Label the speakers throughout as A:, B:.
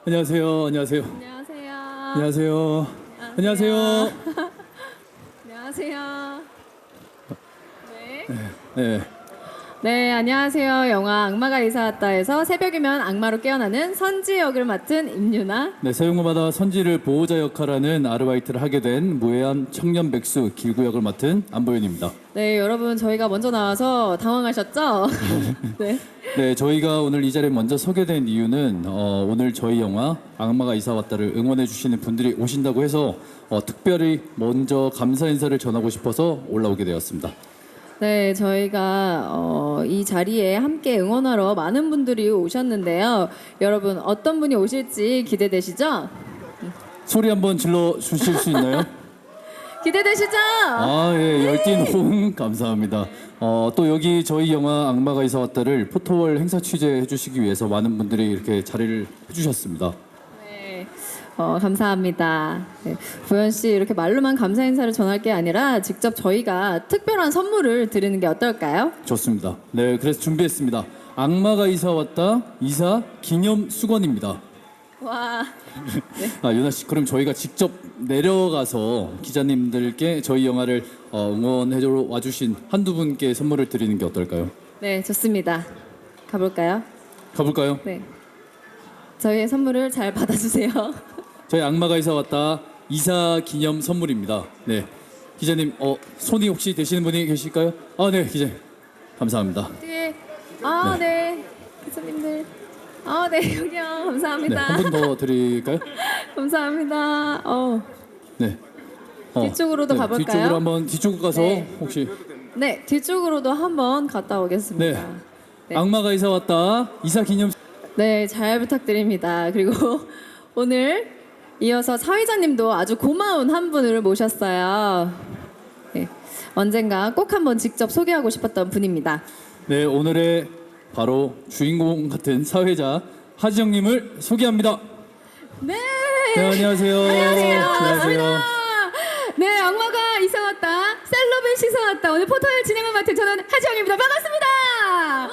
A: 안녕하세요. 안녕하세요.
B: 안녕하세요.
A: 안녕하세요. 안녕하세요.
B: 안녕하세요. 네.
A: 네.
B: 네, 안녕하세요. 영화 악마가 이사 왔다에서 새벽이면 악마로 깨어나는 선지 역을 맡은 임유나.
A: 네, 사용마다 선지를 보호자 역할하는 아르바이트를 하게 된 무해한 청년 백수 길구 역을 맡은 안보현입니다.
B: 네, 여러분 저희가 먼저 나와서 당황하셨죠? 네.
A: 네, 저희가 오늘 이 자리에 먼저 서게 된 이유는 오늘 저희 영화 악마가 이사 왔다를 응원해 주시는 분들이 오신다고 해서 특별히 먼저 감사 인사를 전하고 싶어서 올라오게 되었습니다.
B: 네, 저희가 이 자리에 함께 응원하러 많은 분들이 오셨는데요. 여러분 어떤 분이 오실지 기대되시죠?
A: 소리 한번 질러 주실 수 있나요?
B: 기대되시죠?
A: 아, 예, 열띤 호응 감사합니다. 또 여기 저희 영화 악마가 이사 왔다를 포토월 행사 취재해 주시기 위해서 많은 분들이 이렇게 자리를 해주셨습니다.
B: 네, 감사합니다. 네, 보현 씨 이렇게 말로만 감사 인사를 전할 게 아니라 직접 저희가 특별한 선물을 드리는 게 어떨까요?
A: 좋습니다. 네, 그래서 준비했습니다. 악마가 이사 왔다 이사 기념 수건입니다.
B: 와,
A: 아, 유나 씨, 그럼 저희가 직접 내려가서 기자님들께 저희 영화를 응원해주러 와주신 한두 분께 선물을 드리는 게 어떨까요?
B: 네, 좋습니다. 가볼까요?
A: 가볼까요?
B: 네, 저희의 선물을 잘 받아주세요.
A: 저희 악마가 이사 왔다 이사 기념 선물입니다. 네, 기자님, 손이 혹시 되시는 분이 계실까요? 아, 네, 기자님, 감사합니다.
B: 뒤에, 네, 기자님들, 네, 여기요,
A: 네,
B: 감사합니다.
A: 한 분 더 드릴까요?
B: 감사합니다.
A: 네.
B: 뒤쪽으로도 가볼까요?
A: 뒤쪽으로 한번 뒤쪽 가서
B: 네.
A: 혹시
B: 네, 뒤쪽으로도 한번 갔다 오겠습니다.
A: 네.
B: 네.
A: 악마가 이사 왔다 이사 기념.
B: 네, 잘 부탁드립니다. 그리고 오늘 이어서 사회자님도 아주 고마운 한 분을 모셨어요. 네, 언젠가 꼭 한번 직접 소개하고 싶었던 분입니다.
A: 네, 오늘의 바로 주인공 같은 사회자 하지영님을 소개합니다.
B: 네,
A: 네, 안녕하세요.
B: 반갑습니다. 네, 악마가 이사 왔다, 셀럽의 시사 왔다. 오늘 포토를 진행을 맡은 저는 하지영입니다. 반갑습니다.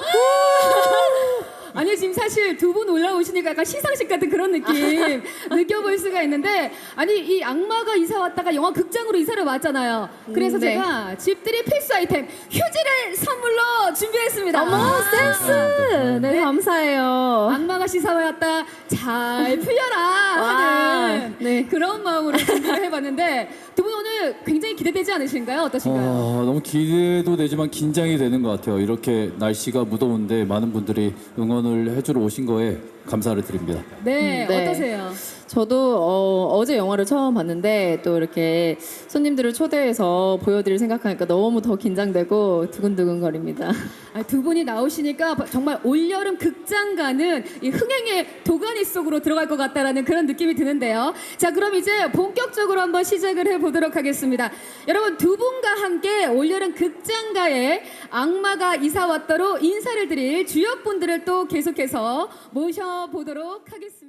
B: 아니 지금 사실 두 분 올라오시니까 약간 시상식 같은 그런 느낌 느껴볼 수가 있는데, 아니 이 악마가 이사 왔다가 영화 극장으로 이사를 왔잖아요. 그래서
C: 네.
B: 제가 집들이 필수 아이템 휴지를 선물로 준비했습니다.
C: 어머, 센스! 네, 감사해요.
B: 악마가 이사 왔다 잘 풀려라 하는
C: 네.
B: 그런 마음으로 준비를 해봤는데, 두 분 오늘 굉장히 기대되지 않으신가요? 어떠신가요?
A: 너무 기대도 되지만 긴장이 되는 것 같아요. 이렇게 날씨가 무더운데 많은 분들이 응원을 해주러 오신 거에 감사를 드립니다.
B: 네,
C: 네.
B: 어떠세요?
C: 저도 어제 영화를 처음 봤는데 또 이렇게 손님들을 초대해서 보여드릴 생각하니까 너무 더 긴장되고 두근두근거립니다.
B: 두 분이 나오시니까 정말 올여름 극장 가는 이 흥행의 도가니 속으로 들어갈 것 같다라는 그런 느낌이 드는데요. 자, 그럼 이제 본격적으로 한번 시작을 해보도록 하겠습니다. 여러분, 두 분과 함께 올여름 극장가에 악마가 이사 왔다로 인사를 드릴 주역분들을 또 계속해서 모셔보도록 하겠습니다.